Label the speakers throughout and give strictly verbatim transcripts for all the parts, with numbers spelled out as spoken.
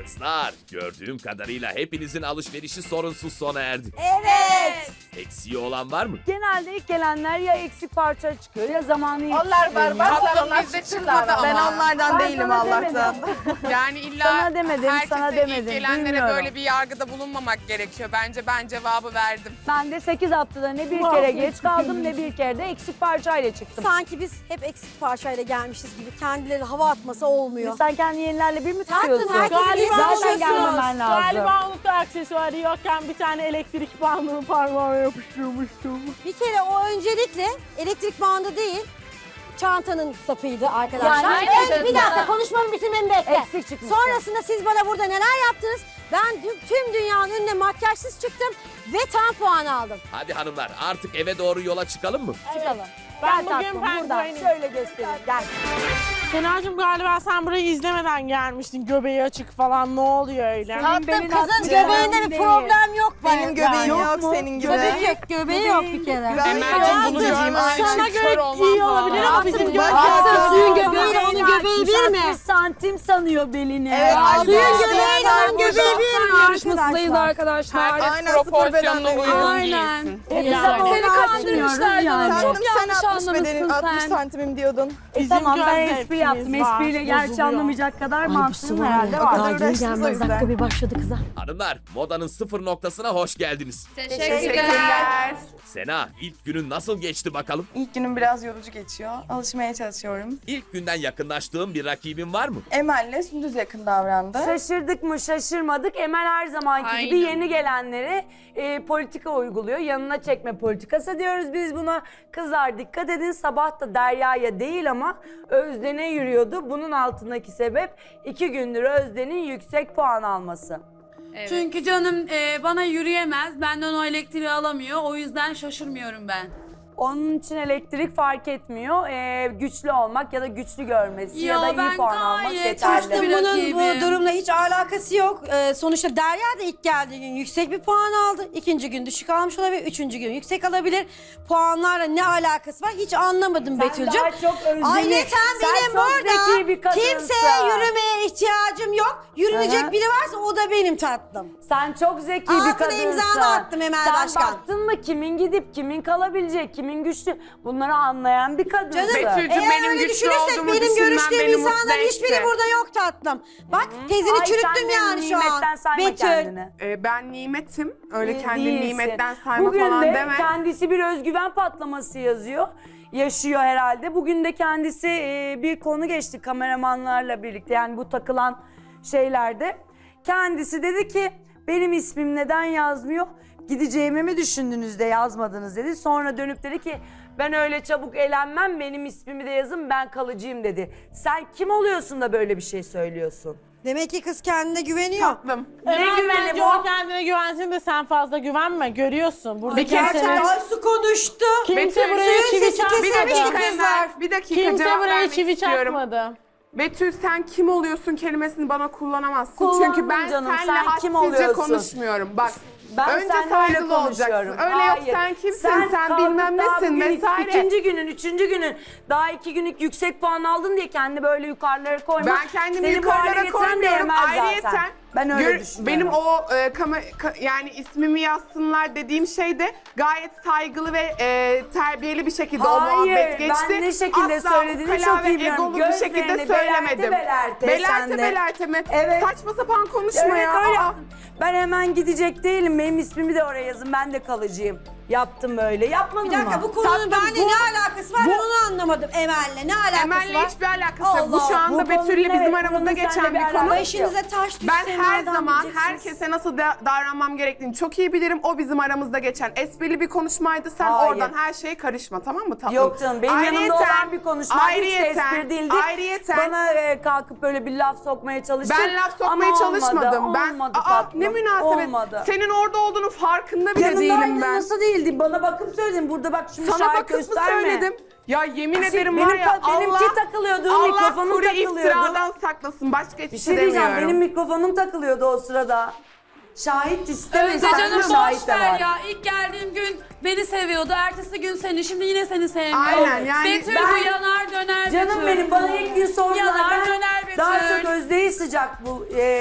Speaker 1: Kızlar, gördüğüm kadarıyla hepinizin alışverişi sorunsuz sona erdi.
Speaker 2: Evet.
Speaker 1: Eksiği olan var mı?
Speaker 3: Genelde ilk gelenler ya eksik parça çıkıyor ya zamanı
Speaker 2: Onlar var, bak onlar
Speaker 4: bizde
Speaker 2: çıktılar
Speaker 4: çıkmadı
Speaker 2: ama.
Speaker 4: ama.
Speaker 5: Ben onlardan
Speaker 3: Ben
Speaker 5: değilim
Speaker 3: sana
Speaker 5: Allah'tan.
Speaker 4: Yani illa
Speaker 3: Sana demedim,
Speaker 4: herkese
Speaker 3: sana
Speaker 4: ilk
Speaker 3: demedim,
Speaker 4: gelenlere
Speaker 3: bilmiyorum.
Speaker 4: böyle bir yargıda bulunmamak gerekiyor. Bence ben cevabı verdim.
Speaker 3: Ben de sekiz haftada ne bir kere geç kaldım ne bir kere de eksik parçayla çıktım.
Speaker 6: Sanki biz hep eksik parçayla gelmişiz gibi kendileri hava atması olmuyor.
Speaker 3: Sen kendi yenilerle bir mi
Speaker 6: Tatlım,
Speaker 3: tutuyorsun?
Speaker 6: herkes
Speaker 7: Galiba
Speaker 6: Zaten
Speaker 3: Zaten gelmemen lazım.
Speaker 7: Galiba unuttu aksesuarı yokken bir tane elektrik bandını parmağıma yapıştırmıştım.
Speaker 6: Bir kere o öncelikle elektrik bandı değil, çantanın sapıydı arkadaşlar.
Speaker 3: Yani
Speaker 6: Evet,
Speaker 3: evet,
Speaker 6: bir dakika
Speaker 3: evet.
Speaker 6: konuşmamı bitirmemi bekle.
Speaker 3: Eksik çıkmış.
Speaker 6: Sonrasında siz bana burada neler yaptınız? Ben tüm, tüm dünyanın önüne makyajsız çıktım ve tam puan aldım.
Speaker 1: Hadi hanımlar, artık eve doğru yola çıkalım mı?
Speaker 3: Çıkalım.
Speaker 7: Ben
Speaker 3: Gel
Speaker 7: bugün
Speaker 3: tatlım buradan
Speaker 7: penguenim.
Speaker 3: şöyle göstereyim. Gel.
Speaker 7: Senacığım galiba sen burayı izlemeden gelmiştin. Göbeği açık falan, ne oluyor öyle?
Speaker 6: Tatlım
Speaker 3: belin
Speaker 6: kızın
Speaker 3: atmış.
Speaker 6: göbeğinde bir
Speaker 3: Değil.
Speaker 6: problem yok.
Speaker 5: Benim göbeğim
Speaker 3: Yok
Speaker 5: yok,
Speaker 3: mu?
Speaker 5: senin gibi.
Speaker 6: Göbeği yok, göbeği yok bir kere.
Speaker 4: Emel'cim bunu görmem
Speaker 7: Sana
Speaker 4: için
Speaker 7: göre
Speaker 4: kör olmam
Speaker 7: iyi olabilir ama
Speaker 4: lazım.
Speaker 7: bizim
Speaker 6: Bak,
Speaker 7: göbeğimiz...
Speaker 6: baksana suyun
Speaker 3: Aa,
Speaker 6: göbeğiyle onun
Speaker 3: belini
Speaker 6: göbeği
Speaker 3: atmış,
Speaker 6: bir mi?
Speaker 3: altmış santim sanıyor belini.
Speaker 5: Evet,
Speaker 3: Aa,
Speaker 5: aynen.
Speaker 6: Suyun
Speaker 5: Aa,
Speaker 6: göbeğiyle onun göbeği bir mi
Speaker 5: yarışmasındayız
Speaker 6: arkadaşlar?
Speaker 5: arkadaşlar.
Speaker 4: Herkes
Speaker 5: Aynen, sıfır
Speaker 4: proporsiyonuna
Speaker 5: bedenle
Speaker 4: uygun
Speaker 6: Aynen.
Speaker 4: giysin.
Speaker 3: Yani.
Speaker 5: Seni
Speaker 3: kandırmışlar
Speaker 5: Yani.
Speaker 3: Çok
Speaker 5: Tatlım,
Speaker 3: yanlış
Speaker 5: sen altmış bedenin,
Speaker 3: anlamışsın
Speaker 5: altmış
Speaker 3: sen.
Speaker 5: santimim diyordun.
Speaker 3: E
Speaker 7: Bizim
Speaker 3: tamam ben
Speaker 7: göz
Speaker 3: espri
Speaker 7: zevkimiz
Speaker 3: yaptım.
Speaker 7: var,
Speaker 3: Espriyle gerçi
Speaker 7: bozuluyor.
Speaker 3: anlamayacak kadar
Speaker 6: Bu
Speaker 3: mantığım
Speaker 6: sıvı
Speaker 3: herhalde
Speaker 6: o
Speaker 3: var.
Speaker 6: kadar
Speaker 5: uğraştınız
Speaker 6: geri
Speaker 5: o
Speaker 6: gelmez.
Speaker 5: yüzden.
Speaker 6: Dakika bir başladı kıza.
Speaker 1: Hanımlar, modanın sıfır noktasına hoş geldiniz.
Speaker 4: Teşekkürler.
Speaker 1: Sena, ilk günün nasıl geçti bakalım?
Speaker 5: İlk günüm biraz yorucu geçiyor. Alışmaya çalışıyorum.
Speaker 1: İlk günden yakınlaştığın bir rakibin var mı?
Speaker 5: Emel'le Sündüz yakın davrandı.
Speaker 3: Şaşırdık mı şaşırmadık. Emel her zamanki gibi
Speaker 4: Aynen.
Speaker 3: yeni gelenlere e, politika uyguluyor. Yanına çekme politikası diyoruz biz buna. Kızlar dikkat edin, sabah da Derya'ya değil ama Özden'e yürüyordu. Bunun altındaki sebep iki gündür Özden'in yüksek puan alması.
Speaker 8: Çünkü canım e, bana yürüyemez, benden o elektriği alamıyor. O yüzden şaşırmıyorum ben.
Speaker 3: Onun için elektrik fark etmiyor. E, güçlü olmak ya da güçlü görmesi ya,
Speaker 8: Ya
Speaker 3: da iyi
Speaker 8: ben
Speaker 3: puan almak
Speaker 8: gayet
Speaker 3: yeterli.
Speaker 8: hoştum.
Speaker 6: Tatlım,
Speaker 8: Bir
Speaker 6: bunun
Speaker 8: rakibim.
Speaker 6: bu durumla hiç alakası yok. Ee, sonuçta Derya da ilk geldiği gün yüksek bir puan aldı. İkinci gün düşük almış olabilir. Üçüncü gün yüksek alabilir. Puanlarla ne alakası var hiç anlamadım
Speaker 3: Sen
Speaker 6: Betül'cüm.
Speaker 3: daha çok Özden'i-
Speaker 6: Ayrıca
Speaker 3: sen
Speaker 6: benim
Speaker 3: çok
Speaker 6: burada
Speaker 3: zeki bir kadınsın.
Speaker 6: kimseye yürümeye ihtiyacım yok. Yürünecek
Speaker 3: Hı hı.
Speaker 6: biri varsa o da benim tatlım.
Speaker 3: Sen çok zeki
Speaker 6: Altına
Speaker 3: bir kadınsın.
Speaker 6: imzamı attım Emel
Speaker 3: Sen
Speaker 6: Başkan.
Speaker 3: baktın mı kimin gidip kimin kalabilecek, kimin güçlü bunları anlayan bir kadınsın.
Speaker 6: Canım
Speaker 4: Betül'cüm,
Speaker 6: eğer
Speaker 4: benim
Speaker 6: öyle
Speaker 4: güçlü
Speaker 6: düşünürsek
Speaker 4: olduğumu
Speaker 6: benim
Speaker 4: düşünmen
Speaker 6: görüştüğüm
Speaker 4: beni mutlu
Speaker 6: insanların hiçbiri
Speaker 4: etti.
Speaker 6: burada yok tatlım. Bak tezini
Speaker 3: Ay, sen
Speaker 6: çürüttüm
Speaker 3: benim
Speaker 6: yani şu an.
Speaker 3: nimetten sayma
Speaker 6: Betül.
Speaker 3: kendini.
Speaker 4: Ee, ben nimetim. Öyle
Speaker 3: Ee,
Speaker 4: kendini
Speaker 3: değilsin.
Speaker 4: nimetten sayma
Speaker 3: Bugün
Speaker 4: falan
Speaker 3: de
Speaker 4: deme.
Speaker 3: kendisi bir özgüven patlaması yazıyor. Yaşıyor herhalde. Bugün de kendisi e, bir konu geçti kameramanlarla birlikte. Yani bu takılan şeylerde. Kendisi dedi ki benim ismim neden yazmıyor? Gideceğimi mi düşündünüz de yazmadınız dedi. Sonra dönüp dedi ki ben öyle çabuk elenmem, benim ismimi de yazın, ben kalıcıyım dedi. Sen kim oluyorsun da böyle bir şey söylüyorsun?
Speaker 6: Demek ki kız kendine güveniyor.
Speaker 4: Tatlım.
Speaker 3: Ne
Speaker 7: Emel
Speaker 3: güveni
Speaker 7: bence
Speaker 3: bu?
Speaker 7: o kendine güvensin de sen fazla güvenme. Görüyorsun. Burada
Speaker 4: Bir kere
Speaker 7: kimse,
Speaker 4: sen-
Speaker 6: Ay su konuştu.
Speaker 7: kimse
Speaker 4: Betül,
Speaker 7: buraya
Speaker 6: suyun
Speaker 7: çivi
Speaker 6: sesi
Speaker 7: çakmadı.
Speaker 4: Bir
Speaker 6: kesilmiş
Speaker 4: dakika
Speaker 6: kızlar.
Speaker 4: Emel, bir dakika
Speaker 7: Kimse
Speaker 4: cevap
Speaker 7: buraya
Speaker 4: vermek
Speaker 7: çivi
Speaker 4: istiyorum.
Speaker 7: çakmadı.
Speaker 4: Betül sen kim oluyorsun kelimesini bana kullanamazsın.
Speaker 3: Kullandım
Speaker 4: Çünkü ben
Speaker 3: canım,
Speaker 4: seninle
Speaker 3: sen kim
Speaker 4: hadsizce
Speaker 3: oluyorsun?
Speaker 4: konuşmuyorum. Bak
Speaker 3: Ben
Speaker 4: önce
Speaker 3: seninle öyle
Speaker 4: saygılı olacaksın.
Speaker 3: konuşuyorum.
Speaker 4: Öyle
Speaker 3: Hayır.
Speaker 4: yok sen kimsin, sen,
Speaker 3: kalkıp
Speaker 4: bilmem
Speaker 3: daha
Speaker 4: nesin
Speaker 3: bugün
Speaker 4: vesaire.
Speaker 3: İkinci günün, üçüncü günün daha iki günlük yüksek puan aldın diye kendini böyle yukarılara koyma.
Speaker 4: Ben kendimi
Speaker 3: Seni bu hale
Speaker 4: yukarılara
Speaker 3: getiren de
Speaker 4: koymuyorum.
Speaker 3: Emel zaten.
Speaker 4: Ayrıyeten
Speaker 3: Ben öyle
Speaker 4: gör-
Speaker 3: düşünüyorum.
Speaker 4: benim o e, kama- ka- yani ismimi yazsınlar dediğim şey de gayet saygılı ve e, terbiyeli bir şekilde o
Speaker 3: Hayır,
Speaker 4: muhabbet geçti.
Speaker 3: ben ne şekilde
Speaker 4: Asla
Speaker 3: söylediğini
Speaker 4: ukala
Speaker 3: çok
Speaker 4: ve
Speaker 3: iyi biliyorum.
Speaker 4: egolu bir şekilde
Speaker 3: Gözlerini
Speaker 4: söylemedim.
Speaker 3: belerte belerte
Speaker 4: belerte
Speaker 3: sen de.
Speaker 4: belerte mi?
Speaker 3: Evet.
Speaker 4: Saçma sapan konuşma
Speaker 3: Evet
Speaker 4: ya.
Speaker 3: öyle
Speaker 4: Aa.
Speaker 3: yaptım. Ben hemen gidecek değilim. Benim ismimi de oraya yazın. Ben de kalıcıyım. Yaptım böyle. Yapmadın
Speaker 6: Bir dakika
Speaker 3: mı?
Speaker 6: bu konunun
Speaker 4: Tatlım,
Speaker 6: benimle
Speaker 4: bu-
Speaker 6: ne alakası var ben onu anlamadım Emel'le. Ne alakası
Speaker 4: Emel'le
Speaker 6: var?
Speaker 4: hiçbir alakası yok. Bu
Speaker 6: Allah,
Speaker 4: şu anda
Speaker 3: bu konunun
Speaker 4: Betül'le bizim
Speaker 3: evet,
Speaker 4: aramızda
Speaker 3: bunun
Speaker 4: geçen
Speaker 3: seninle
Speaker 4: bir
Speaker 3: bir
Speaker 4: konu.
Speaker 3: alakası
Speaker 6: Başınıza taş düşse
Speaker 4: Ben her
Speaker 6: nereden
Speaker 4: zaman
Speaker 6: bileceksiniz?
Speaker 4: herkese nasıl da- davranmam gerektiğini çok iyi bilirim. O bizim aramızda geçen esprili bir konuşmaydı. Sen
Speaker 3: Hayır.
Speaker 4: oradan her şeye karışma, tamam mı tatlım?
Speaker 3: Yok canım benim yanımda
Speaker 4: Ayrıyeten-
Speaker 3: olan bir konuşma hiç de
Speaker 4: ayrıyeten-
Speaker 3: espri değildi.
Speaker 4: Ayrıyeten
Speaker 3: Bana e, kalkıp böyle bir laf sokmaya çalıştın.
Speaker 4: ben laf sokmaya
Speaker 3: ama
Speaker 4: çalışmadım.
Speaker 3: Olmadı,
Speaker 4: ben
Speaker 3: olmadı
Speaker 4: Aa,
Speaker 3: tatlım.
Speaker 4: ne münasebet.
Speaker 3: Olmadı.
Speaker 4: Senin orada olduğunu farkında bile
Speaker 3: Yanımdaydın,
Speaker 4: değilim ben.
Speaker 3: nasıl değildi? Bana bakıp söyledin. Burada bak şimdi
Speaker 4: Sana
Speaker 3: şahit
Speaker 4: bakıp mı
Speaker 3: gösterme.
Speaker 4: söyledim? Ya yemin ederim
Speaker 3: benim
Speaker 4: var ya
Speaker 3: ta- benimki
Speaker 4: Allah,
Speaker 3: takılıyordu,
Speaker 4: Allah
Speaker 3: mikrofonum
Speaker 4: kuru
Speaker 3: takılıyordu.
Speaker 4: iftiradan saklasın. Başka hiçbir
Speaker 3: Bir
Speaker 4: şey
Speaker 3: şey diyeceğim.
Speaker 4: demiyorum.
Speaker 3: Benim mikrofonum takılıyordu o sırada. Şahit isteme.
Speaker 8: Önce
Speaker 3: sen de
Speaker 8: canım
Speaker 3: şahit
Speaker 8: boş
Speaker 3: de
Speaker 8: ver
Speaker 3: var.
Speaker 8: ya. İlk geldiğim gün beni seviyordu. Ertesi gün seni. Şimdi yine seni sevmiyor.
Speaker 4: Aynen, yani
Speaker 8: Betül
Speaker 3: ben-
Speaker 8: bu yanar döner
Speaker 3: Canım
Speaker 8: Betül.
Speaker 3: benim bana ilk gün sordular.
Speaker 8: Yanar
Speaker 3: Ben
Speaker 8: döner Betül.
Speaker 3: daha çok Özde'yi sıcak bu e,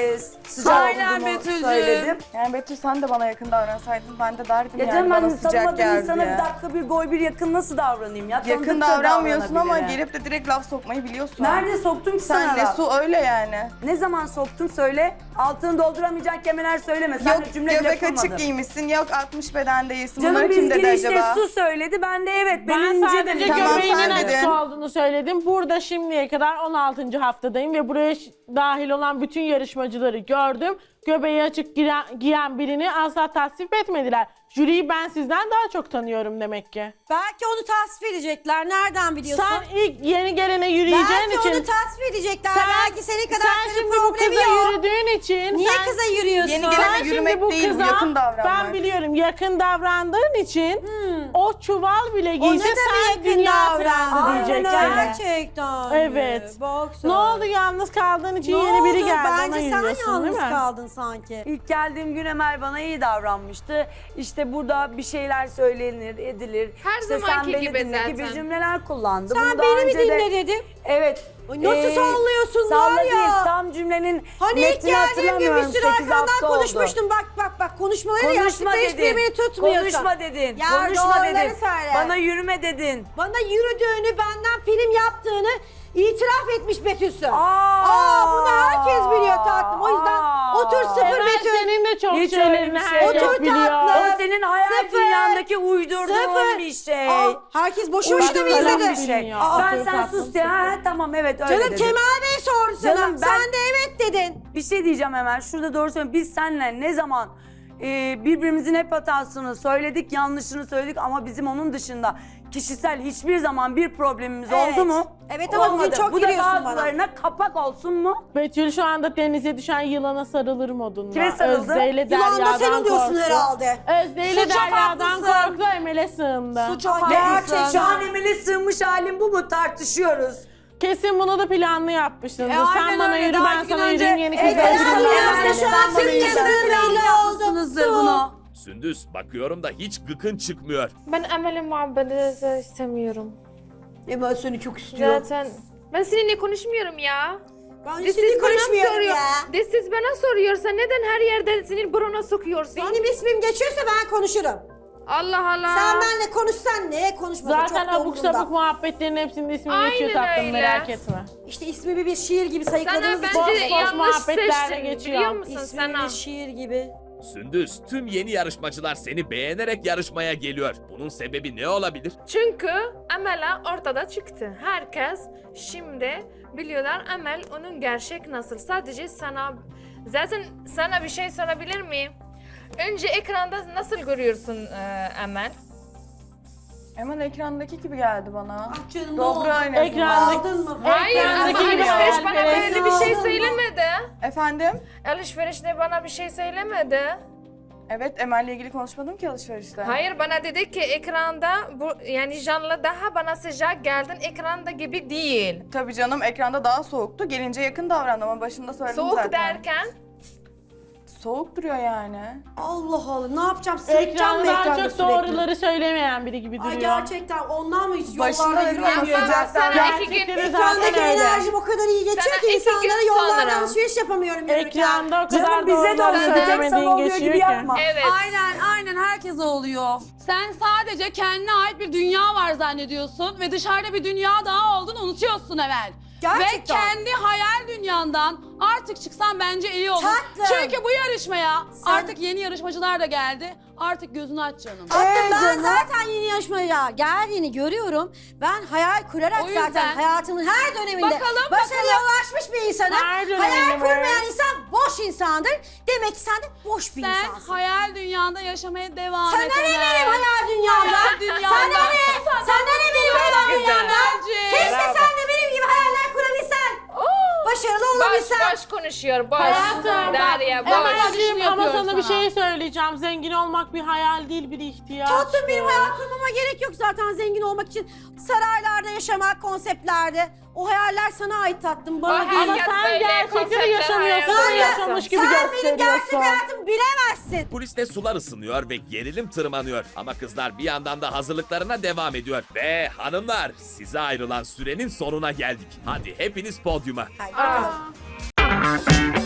Speaker 3: sıcak
Speaker 8: Aynen
Speaker 3: olduğumu
Speaker 8: Betül'cüğüm.
Speaker 3: söyledim.
Speaker 5: Yani Betül sen de bana yakın davransaydın ben de derdim
Speaker 3: Ya
Speaker 5: yani
Speaker 3: canım
Speaker 5: bana
Speaker 3: ben
Speaker 5: sıcak
Speaker 3: tanımadığım
Speaker 5: geldi
Speaker 3: insana
Speaker 5: diye.
Speaker 3: bir dakika bir boy bir yakın nasıl davranayım ya?
Speaker 5: Yakın
Speaker 3: Tanıdıkça
Speaker 5: davranmıyorsun ama
Speaker 3: davranabilirim.
Speaker 5: gelip de direkt laf sokmayı biliyorsun.
Speaker 3: Nerede soktum ki sana
Speaker 5: Sen de
Speaker 3: laf?
Speaker 5: su öyle yani.
Speaker 3: Ne zaman soktum söyle. Altını dolduramayacak kelimeler söyleme. Sen
Speaker 5: Yok
Speaker 3: de cümle bile
Speaker 5: göbek
Speaker 3: kurmadın.
Speaker 5: açık giymişsin, yok altmış beden değilsin.
Speaker 3: Canım
Speaker 5: Bunları
Speaker 3: biz
Speaker 5: kim dedi
Speaker 3: girişte
Speaker 5: acaba?
Speaker 3: su söyledi. Ben de evet
Speaker 7: Ben
Speaker 3: benim ince
Speaker 7: sadece
Speaker 3: dedim.
Speaker 5: Tamam,
Speaker 7: göbeğinin
Speaker 5: sen
Speaker 7: açık
Speaker 5: dedin.
Speaker 7: olduğunu söyledim. Burada şimdiye kadar on altıncı haftadayım ve buraya ş- dahil olan bütün yarışmacıları gördüm. Göbeği açık giren, giyen birini asla tasvip etmediler. Jüriyi ben sizden daha çok tanıyorum demek ki.
Speaker 6: Belki onu tasvip edecekler. Nereden biliyorsun?
Speaker 7: Sen ilk yeni gelene yürüyeceğin
Speaker 6: Belki
Speaker 7: için...
Speaker 6: onu tasvip edecekler.
Speaker 7: Sen-
Speaker 6: Belki senin kadar
Speaker 7: Sen
Speaker 6: karı
Speaker 7: şimdi bu
Speaker 6: problemi
Speaker 7: kıza
Speaker 6: yok.
Speaker 7: yürüdüğün için...
Speaker 6: Niye
Speaker 7: sen-
Speaker 6: kıza yürüyorsun?
Speaker 5: Yeni gelene
Speaker 7: Sen
Speaker 5: yürümek
Speaker 7: şimdi bu
Speaker 5: değil, bu
Speaker 7: kıza,
Speaker 5: yakın davranmak.
Speaker 7: ben biliyorum yakın davrandığın için o çuval bile
Speaker 6: O ne
Speaker 7: giyse
Speaker 6: demek
Speaker 7: sen
Speaker 6: yakın
Speaker 7: dünya
Speaker 6: davrandı?
Speaker 7: davrandı
Speaker 3: Aynen
Speaker 7: diyeceksin.
Speaker 3: öyle.
Speaker 6: Gerçekten.
Speaker 7: Evet.
Speaker 6: Bak sen.
Speaker 7: Ne oldu yalnız kaldığın için
Speaker 6: Ne
Speaker 7: yeni biri
Speaker 6: oldu?
Speaker 7: geldi ona
Speaker 6: Bence sen
Speaker 7: yürüyorsun değil
Speaker 6: yalnız
Speaker 7: mi?
Speaker 6: kaldın sanki.
Speaker 3: İlk geldiğim gün Emel bana iyi davranmıştı. İşte burada bir şeyler söylenir, edilir.
Speaker 2: Her
Speaker 3: işte
Speaker 2: zamanki
Speaker 3: sen beni
Speaker 2: gibi
Speaker 3: dinle
Speaker 2: zaten.
Speaker 3: gibi cümleler kullandı.
Speaker 6: Sen
Speaker 3: Bunu daha
Speaker 6: beni mi
Speaker 3: önce de-
Speaker 6: dinle dedim.
Speaker 3: Evet.
Speaker 6: Ay, nasıl sallıyorsun
Speaker 3: salla
Speaker 6: var ya?
Speaker 3: değil, tam cümlenin
Speaker 6: Hani ilk
Speaker 3: metnini
Speaker 6: geldiğim gün bir
Speaker 3: hatırlamıyorum.
Speaker 6: sürü
Speaker 3: sekiz
Speaker 6: arkandan
Speaker 3: hafta oldu.
Speaker 6: konuşmuştum. Bak bak bak konuşmaları
Speaker 3: Konuşma
Speaker 6: yaptıkta hiçbir
Speaker 3: dedin.
Speaker 6: beni tutmuyorsun.
Speaker 3: Konuşma dedin.
Speaker 6: Ya
Speaker 3: Konuşma
Speaker 6: doğruları
Speaker 3: dedin.
Speaker 6: söyle.
Speaker 3: Bana yürüme dedin.
Speaker 6: Bana yürüdüğünü, benden film yaptığını itiraf etmiş Betül'sün.
Speaker 3: Aa,
Speaker 6: Aa, bunu herkes biliyor tatlım. O yüzden
Speaker 3: Aa.
Speaker 6: otur sıfır
Speaker 7: Emel
Speaker 6: Betül.
Speaker 7: senin de çok
Speaker 3: Hiç öyle
Speaker 7: şeylerini
Speaker 3: bir şey
Speaker 7: herkes
Speaker 6: yok. Otur
Speaker 7: biliyor.
Speaker 6: tatlım.
Speaker 3: O senin hayal
Speaker 6: Sıfır.
Speaker 3: dünyandaki uydurduğun
Speaker 6: Sıfır.
Speaker 3: bir şey.
Speaker 6: Aa, herkes boşu boşuna mı
Speaker 3: Uydurulan
Speaker 6: izledi?
Speaker 3: bir şey.
Speaker 7: Bilmiyor.
Speaker 3: Ben
Speaker 7: Otur
Speaker 3: sen
Speaker 7: tatlım,
Speaker 3: sus diye. Ha, tamam evet öyle
Speaker 6: Canım
Speaker 3: dedim.
Speaker 6: Kemal Bey sordu sana.
Speaker 3: Canım, ben-
Speaker 6: Sen de evet dedin.
Speaker 3: Bir şey diyeceğim hemen. Şurada doğru söylüyorum. Biz seninle ne zaman e, birbirimizin hep hatasını söyledik, yanlışını söyledik ama bizim onun dışında kişisel hiçbir zaman bir problemimiz
Speaker 6: Evet.
Speaker 3: oldu mu?
Speaker 6: Evet ama bugün
Speaker 3: Olmadı.
Speaker 6: çok
Speaker 3: Bu da
Speaker 6: giriyorsun bana.
Speaker 3: bazılarına kapak olsun mu?
Speaker 7: Betül şu anda denize düşen yılana sarılır modunda.
Speaker 3: Kime sarıldı?
Speaker 7: Özde ile
Speaker 6: Yılan da
Speaker 7: Derya'dan
Speaker 6: sen oluyorsun
Speaker 7: korktu.
Speaker 6: herhalde.
Speaker 7: Özde ile
Speaker 6: Su çok
Speaker 7: Derya'dan
Speaker 6: haklısın.
Speaker 7: korktu, Emel'e sığındı.
Speaker 6: Su çok
Speaker 3: Gerçek.
Speaker 6: haklısın.
Speaker 3: Şu an Emel'e sığınmış halin bu mu? Tartışıyoruz.
Speaker 7: Kesin bunu da planlı yapmışsınız.
Speaker 8: E,
Speaker 7: sen
Speaker 8: aynen
Speaker 7: bana
Speaker 8: öyle.
Speaker 7: yürü,
Speaker 8: Daha
Speaker 7: ben
Speaker 8: iki gün
Speaker 7: sana
Speaker 8: önce-
Speaker 7: yürüyeyim, yeni
Speaker 3: E,
Speaker 7: kızlar
Speaker 3: tamam,
Speaker 7: yürüyeyim.
Speaker 3: tamam.
Speaker 7: Yani.
Speaker 6: Şu an
Speaker 3: Siz
Speaker 6: senin
Speaker 3: kesin
Speaker 6: kesin belli oldu.
Speaker 8: Yapmışsınızdır bunu.
Speaker 1: Sündüz bakıyorum da hiç gıkın çıkmıyor.
Speaker 9: Ben Emel'in muhabbeti istemiyorum.
Speaker 3: Emel seni çok istiyor.
Speaker 9: Zaten ben seninle konuşmuyorum ya.
Speaker 6: Ben
Speaker 9: De
Speaker 6: şimdi
Speaker 9: siz bana
Speaker 6: konuşmuyorum
Speaker 9: soruyor.
Speaker 6: ya.
Speaker 9: De siz bana soruyorsan neden her yerde senin buruna sokuyorsun?
Speaker 6: Benim ismim geçiyorsa ben konuşurum.
Speaker 9: Allah Allah.
Speaker 6: Sen benimle konuşsan ne konuşmasan
Speaker 7: Zaten
Speaker 6: çok da
Speaker 7: abuk
Speaker 6: umurumda.
Speaker 7: sabuk muhabbetlerin hepsinde ismi
Speaker 9: Aynen
Speaker 7: geçiyor tatlım,
Speaker 9: öyle.
Speaker 7: merak etme.
Speaker 6: İşte ismimi bir şiir gibi
Speaker 9: Sana
Speaker 6: sayıkladığınız için.
Speaker 7: boş
Speaker 9: bence
Speaker 7: boş
Speaker 9: yanlış
Speaker 7: muhabbetlerle
Speaker 9: seçtin
Speaker 7: geçiyor.
Speaker 9: biliyor musun
Speaker 6: İsmimi
Speaker 9: sana?
Speaker 6: bir şiir gibi.
Speaker 1: Sündüz, tüm yeni yarışmacılar seni beğenerek yarışmaya geliyor. Bunun sebebi ne olabilir?
Speaker 9: Çünkü Emel ortada çıktı. Herkes şimdi biliyorlar Emel onun gerçek nasıl. Sadece sana zaten sana bir şey sorabilir miyim? Önce ekranda nasıl görüyorsun e, Emel?
Speaker 5: Hemen ekrandaki gibi geldi bana.
Speaker 6: Ah canım, ne
Speaker 5: Dobra
Speaker 6: oldu?
Speaker 5: en azından.
Speaker 7: Ekrandaki-
Speaker 6: Aldın mı?
Speaker 9: Hayır ama
Speaker 7: Ekrandaki gibi
Speaker 9: alışveriş bana
Speaker 7: hayalperest.
Speaker 9: böyle bir şey
Speaker 6: Aldın mı?
Speaker 9: söylemedi.
Speaker 5: Efendim?
Speaker 9: Alışverişte bana bir şey söylemedi.
Speaker 5: Evet, Emel'le ilgili konuşmadım ki alışverişte.
Speaker 9: Hayır bana dedi ki ekranda bu yani canlı daha bana sıcak geldin ekranda gibi değil.
Speaker 5: Tabii canım, ekranda daha soğuktu. Gelince yakın davrandım ama başında söyledim
Speaker 9: Soğuk
Speaker 5: zaten.
Speaker 9: derken
Speaker 5: Soğuk duruyor yani.
Speaker 6: Allah Allah ne yapacağım? Sırıtacağım mı
Speaker 7: Ekranda
Speaker 6: ekranda
Speaker 7: çok
Speaker 6: sürekli?
Speaker 7: doğruları söylemeyen biri gibi
Speaker 6: Ay
Speaker 7: duruyor.
Speaker 6: gerçekten ondan mı hiç
Speaker 5: Başında
Speaker 6: yollarda
Speaker 5: dedim
Speaker 6: yürüyen
Speaker 5: ama
Speaker 6: bir adam?
Speaker 5: sıcaktan
Speaker 9: sana iki gün
Speaker 7: Gerçekleri zaten
Speaker 6: Ekrandaki
Speaker 7: öyle.
Speaker 6: enerjim o kadar iyi geçiyor
Speaker 9: Sana
Speaker 6: ki
Speaker 9: iki
Speaker 6: insanlara
Speaker 9: gün
Speaker 6: yollarda
Speaker 9: sonra.
Speaker 6: alışveriş yapamıyorum yürürken.
Speaker 7: Ekranda o kadar
Speaker 3: Canım bize de
Speaker 7: doğruları
Speaker 3: oluyor. Bir tek sana
Speaker 7: söylemediğin
Speaker 3: oluyor
Speaker 7: geçiyor
Speaker 3: gibi
Speaker 7: ki.
Speaker 3: yapma.
Speaker 9: evet.
Speaker 8: Aynen aynen herkese oluyor. Sen sadece kendine ait bir dünya var zannediyorsun ve dışarıda bir dünya daha olduğunu unutuyorsun Emel.
Speaker 6: Gerçekten.
Speaker 8: Ve kendi hayal dünyandan artık çıksan bence iyi olur.
Speaker 6: Tatlım.
Speaker 8: Çünkü bu yarışmaya
Speaker 6: Sen-
Speaker 8: artık yeni yarışmacılar da geldi. Artık gözünü aç canım.
Speaker 6: Hatta
Speaker 3: Ee,
Speaker 6: ben
Speaker 3: canım.
Speaker 6: zaten yeni yarışmaya geldiğini görüyorum. Ben hayal kurarak
Speaker 8: O yüzden-
Speaker 6: zaten hayatımın her döneminde
Speaker 8: Bakalım,
Speaker 6: başarıya ulaşmış bir insanım.
Speaker 7: Her döneminde
Speaker 6: Hayal
Speaker 7: mi?
Speaker 6: kurmayan insan boş insandır. Demek ki sen de boş bir
Speaker 8: Sen
Speaker 6: insansın.
Speaker 8: hayal dünyanda yaşamaya devam
Speaker 6: Sana
Speaker 8: et.
Speaker 6: ne
Speaker 8: Emel.
Speaker 6: benim hayal dünyamda?
Speaker 8: Hayal dünyanda.
Speaker 6: Sana ne? Sana ne benim hayal dünyamda?
Speaker 8: Bence.
Speaker 6: Keşke sen de benim gibi hayaller kurabilsen. Başarılı
Speaker 9: Boş
Speaker 6: olabilsen.
Speaker 9: boş konuşuyor boş.
Speaker 7: Hayatım,
Speaker 9: Derya boş.
Speaker 7: Emel'ciğim ama
Speaker 8: yapıyor
Speaker 7: sana bir
Speaker 8: sana.
Speaker 7: şey söyleyeceğim. Zengin olmak bir hayal değil, bir ihtiyaç.
Speaker 6: Tatlım benim hayal kurmama gerek yok zaten zengin olmak için. Saraylarda yaşamak, konseptlerde. O hayaller sana ait tatlım, bana
Speaker 9: O
Speaker 6: değil.
Speaker 7: Ama
Speaker 9: Herkes
Speaker 7: sen
Speaker 9: böyle
Speaker 7: gerçekleri
Speaker 9: konseptler
Speaker 7: yaşamıyorsun,
Speaker 9: hayal
Speaker 7: onu
Speaker 9: ediyor.
Speaker 7: yaşamış gibi
Speaker 6: Sen benim gerçek
Speaker 7: gösteriyorsun.
Speaker 6: hayatımı bilemezsin.
Speaker 1: Kuliste sular ısınıyor ve gerilim tırmanıyor. Ama kızlar bir yandan da hazırlıklarına devam ediyor. Ve hanımlar, size ayrılan sürenin sonuna geldik. Hadi hepiniz podyuma.
Speaker 6: Hadi bakalım.